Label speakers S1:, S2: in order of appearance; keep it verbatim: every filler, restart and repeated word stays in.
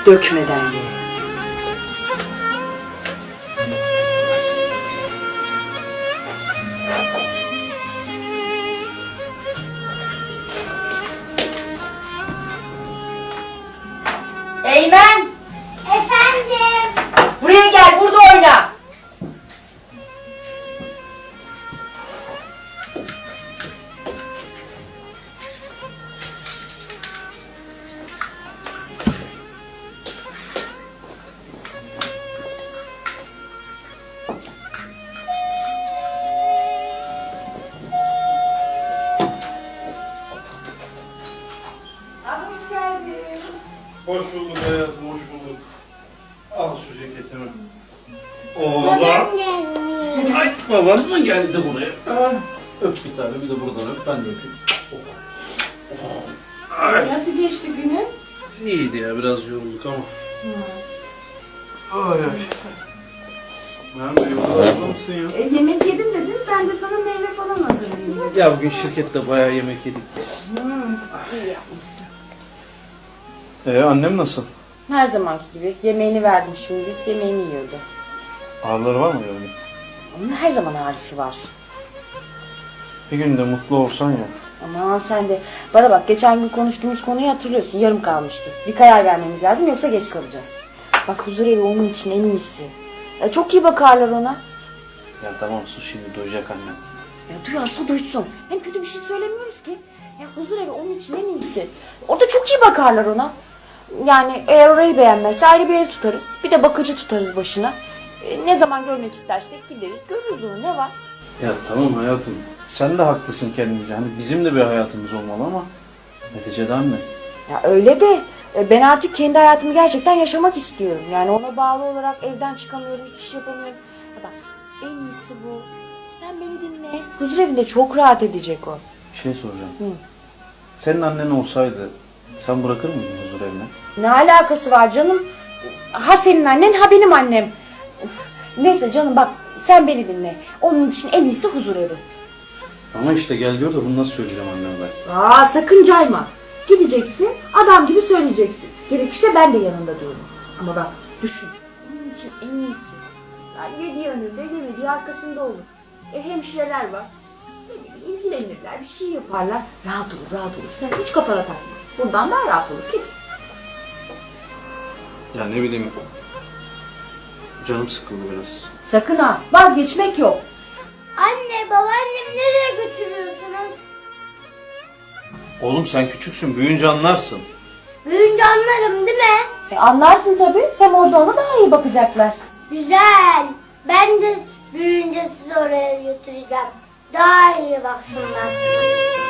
S1: dökmeden ye. Eymen!
S2: Efendim?
S1: Buraya gel, burada oyna. Hoş geldin.
S3: Hoş bulduk hayatım, hoş bulduk. Al şu ceketimi. Oğlan. Ay, baban mı geldi buraya? Ah, öp bir tane, bir de buradan öp, ben de öpeyim. Ay.
S1: Nasıl geçti günün?
S3: İyiydi ya, biraz yorulduk ama. Ay ay. Nerede, yolda mısın ya?
S1: E, yemek yedim dedin, ben de sana meyve falan hazırlayayım dedim.
S3: Ya bugün şirkette bayağı yemek yedik biz.
S1: Hmm, iyi yapmışsın.
S3: Ee, annem nasıl?
S1: Her zamanki gibi yemeğini verdim şimdi, yemeğini yiyordu.
S3: Ağrıları var mı yani?
S1: Onun her zaman ağrısı var.
S3: Bir gün de mutlu olsan ya.
S1: Aman sen de, bana bak geçen gün konuştuğumuz konuyu hatırlıyorsun, yarım kalmıştı. Bir karar vermemiz lazım yoksa geç kalacağız. Bak huzur evi onun için en iyisi. Ya, çok iyi bakarlar ona.
S3: Ya tamam sus, şimdi duyacak annem.
S1: Ya duyarsa duysun. Hem kötü bir şey söylemiyoruz ki. Ya huzur evi onun için en iyisi. Orada çok iyi bakarlar ona. Yani eğer orayı beğenmezse ayrı bir ev tutarız. Bir de bakıcı tutarız başına. E, ne zaman görmek istersek gideriz, görürüz onu, ne var?
S3: Ya tamam hayatım, sen de haklısın kendince. Hani bizim de bir hayatımız olmalı ama neticede anne.
S1: Ya öyle de e, ben artık kendi hayatımı gerçekten yaşamak istiyorum. Yani ona bağlı olarak evden çıkamıyorum, hiçbir şey yapamıyorum. Ya bak en iyisi bu. Sen beni dinle. Huzur evinde çok rahat edecek o.
S3: Bir şey soracağım.
S1: Hı.
S3: Senin annen olsaydı sen bırakır mıydın huzur evine?
S1: Ne alakası var canım? Ha senin annen, ha benim annem. Neyse canım bak, sen beni dinle. Onun için en iyisi huzur evi.
S3: Ama işte gel gör de bunu nasıl söyleyeceğim anneme ben.
S1: Aa sakın cayma. Gideceksin, adam gibi söyleyeceksin. Gerekirse ben de yanında dururum. Ama bak düşün, onun için en iyisi. Yani yediği önünde, yemediği arkasında olur. E hemşireler var. Ne bileyim, ilgilenirler, bir şey yaparlar. Rahat olur, rahat olur. Sen hiç kafana takma. Bundan daha rahat olur kesin.
S3: Ya ne bileyim, canım sıkıldı biraz.
S1: Sakın ha, vazgeçmek yok.
S2: Anne, babaannemi nereye götürüyorsunuz?
S3: Oğlum sen küçüksün, büyüyünce anlarsın.
S2: Büyüyünce anlarım değil mi?
S1: E anlarsın tabii. Hem orada ona daha iyi bakacaklar.
S2: Güzel. Ben de büyüyünce sizi oraya götüreceğim. Daha iyi baksınlar.